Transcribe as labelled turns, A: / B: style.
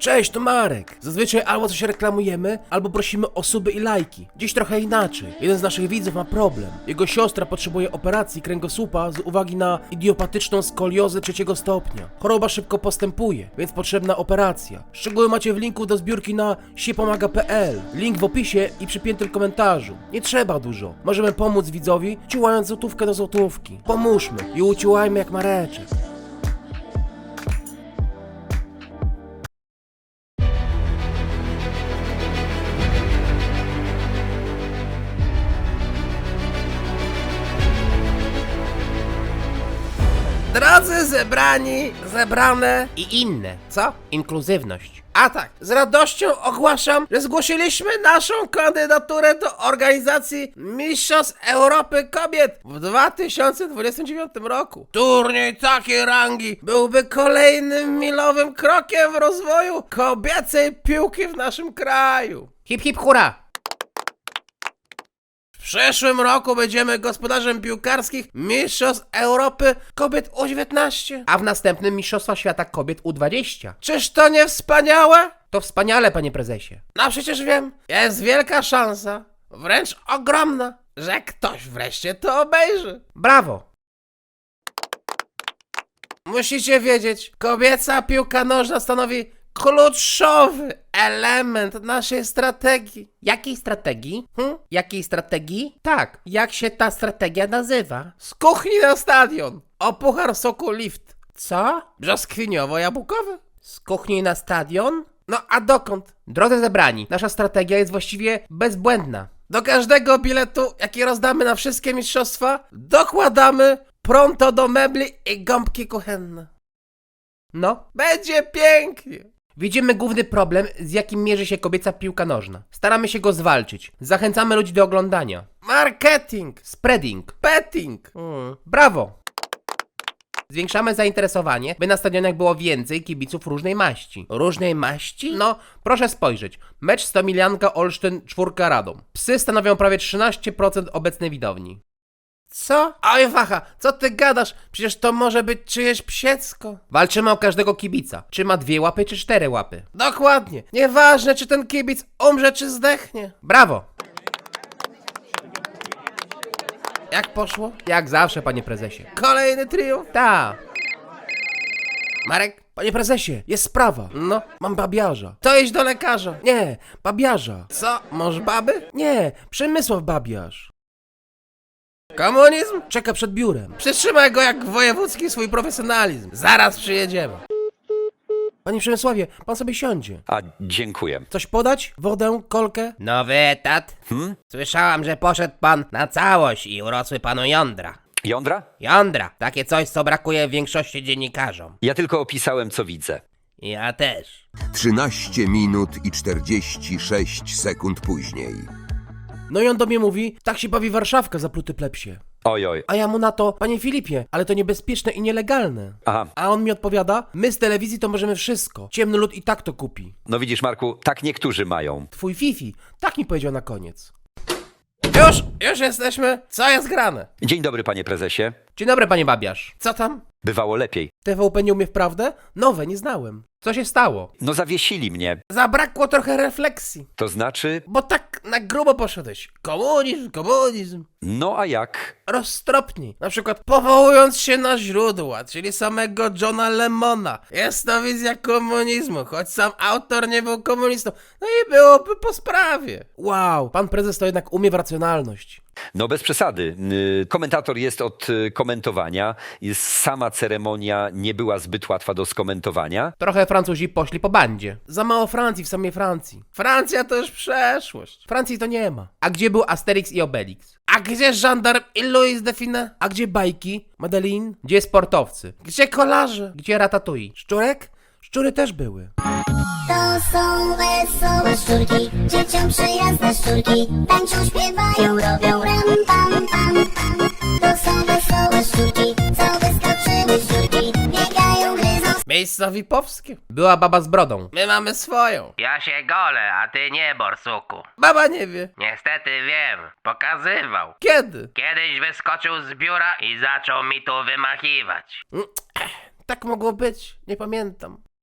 A: Cześć, to Marek. Zazwyczaj albo coś reklamujemy, albo prosimy o suby i lajki. Dziś trochę inaczej. Jeden z naszych widzów ma problem. Jego siostra potrzebuje operacji kręgosłupa z uwagi na idiopatyczną skoliozę 3. stopnia. Choroba szybko postępuje, więc potrzebna operacja. Szczegóły macie w linku do zbiórki na siepomaga.pl. Link w opisie i przypiętym komentarzu. Nie trzeba dużo. Możemy pomóc widzowi, ciułając złotówkę do złotówki. Pomóżmy i uciułajmy jak Mareczek. Drodzy zebrani, zebrane i inne, co? Inkluzywność. A tak, z radością ogłaszam, że zgłosiliśmy naszą kandydaturę do organizacji Mistrzostw Europy Kobiet w 2029 roku. Turniej takiej rangi byłby kolejnym milowym krokiem w rozwoju kobiecej piłki w naszym kraju. Hip hip hura! W przyszłym roku będziemy gospodarzem piłkarskich Mistrzostw Europy Kobiet U19, a w następnym Mistrzostwa Świata Kobiet U20. Czyż to nie wspaniałe? To wspaniale, panie prezesie. No przecież wiem, jest wielka szansa, wręcz ogromna, że ktoś wreszcie to obejrzy. Brawo! Musicie wiedzieć, kobieca piłka nożna stanowi kluczowy element naszej strategii. Jakiej strategii? Jakiej strategii? Tak, jak się ta strategia nazywa? Z kuchni na stadion. O puchar soku Lift. Co? Brzoskwiniowo-jabłkowy. Z kuchni na stadion? No a dokąd? Drodzy zebrani, nasza strategia jest właściwie bezbłędna. Do każdego biletu, jaki rozdamy na wszystkie mistrzostwa, dokładamy pronto do mebli i gąbki kuchenne. No, będzie pięknie. Widzimy główny problem, z jakim mierzy się kobieca piłka nożna. Staramy się go zwalczyć. Zachęcamy ludzi do oglądania. Marketing, spreading, petting. Brawo! Zwiększamy zainteresowanie, by na stadionach było więcej kibiców różnej maści. Różnej maści? No, proszę spojrzeć. Mecz Stomilianka Olsztyn 4 Radom. Psy stanowią prawie 13% obecnej widowni. Co? Oj wacha, co ty gadasz? Przecież to może być czyjeś psiecko. Walczymy o każdego kibica. Czy ma 2 łapy, czy 4 łapy. Dokładnie. Nieważne, czy ten kibic umrze, czy zdechnie. Brawo. Jak poszło? Jak zawsze, panie prezesie. Kolejny triumf? Ta. Marek? Panie prezesie, jest sprawa. No, mam babiarza. To iść do lekarza. Nie, babiarza. Co? Masz baby? Nie, Przemysław babiarz. Komunizm? Czeka przed biurem. Przytrzymaj go jak wojewódzki swój profesjonalizm. Zaraz przyjedziemy. Panie Przemysławie, pan sobie siądzie.
B: A, dziękuję.
A: Coś podać? Wodę? Kolkę? Nowy etat? Słyszałam, że poszedł pan na całość i urosły panu jądra.
B: Jądra?
A: Jądra. Takie coś, co brakuje większości dziennikarzom.
B: Ja tylko opisałem, co widzę.
A: Ja też.
C: 13 minut i 46 sekund później.
A: No i on do mnie mówi, tak się bawi Warszawka, zapluty plepsie.
B: Oj.
A: A ja mu na to, panie Filipie, ale to niebezpieczne i nielegalne.
B: Aha.
A: A on mi odpowiada, my z telewizji to możemy wszystko. Ciemny lud i tak to kupi.
B: No widzisz, Marku, tak niektórzy mają.
A: Twój Fifi, tak mi powiedział na koniec. Już jesteśmy. Co jest grane?
B: Dzień dobry, panie prezesie.
A: Dzień dobry, panie babiarz. Co tam?
B: Bywało lepiej.
A: TVP nie umie wprawdę? Nowe, nie znałem. Co się stało?
B: No zawiesili mnie.
A: Zabrakło trochę refleksji.
B: To znaczy...
A: Bo tak na grubo poszedłeś. Komunizm.
B: No a jak?
A: Roztropniej. Na przykład powołując się na źródła, czyli samego Johna Lemona. Jest to wizja komunizmu, choć sam autor nie był komunistą. No i byłoby po sprawie. Wow, pan prezes to jednak umie w racjonalność.
B: No bez przesady. Komentator jest od komentowania. Sama ceremonia nie była zbyt łatwa do skomentowania.
A: Trochę Francuzi poszli po bandzie. Za mało Francji w samej Francji. Francja to już przeszłość. Francji to nie ma. A gdzie był Asterix i Obelix? A gdzie żandarm i Louis de Funès? A gdzie bajki? Madeleine? Gdzie sportowcy? Gdzie kolarze? Gdzie ratatouille? Szczurek? Szczury też były.
D: To są wesołe szczurki, dzieciom przyjazne szczurki. Tańczą, śpiewają, robią ram, pam, pam, pam. To są wesołe szczurki, co wyskoczyły szczurki. Biegają, gryzą.
A: Miejsca VIP-owskie. Była baba z brodą. My mamy swoją.
E: Ja się golę, a ty nie, borsuku.
A: Baba nie wie.
E: Niestety wiem, pokazywał.
A: Kiedy?
E: Kiedyś wyskoczył z biura i zaczął mi tu wymachiwać.
A: Tak mogło być. Nie pamiętam.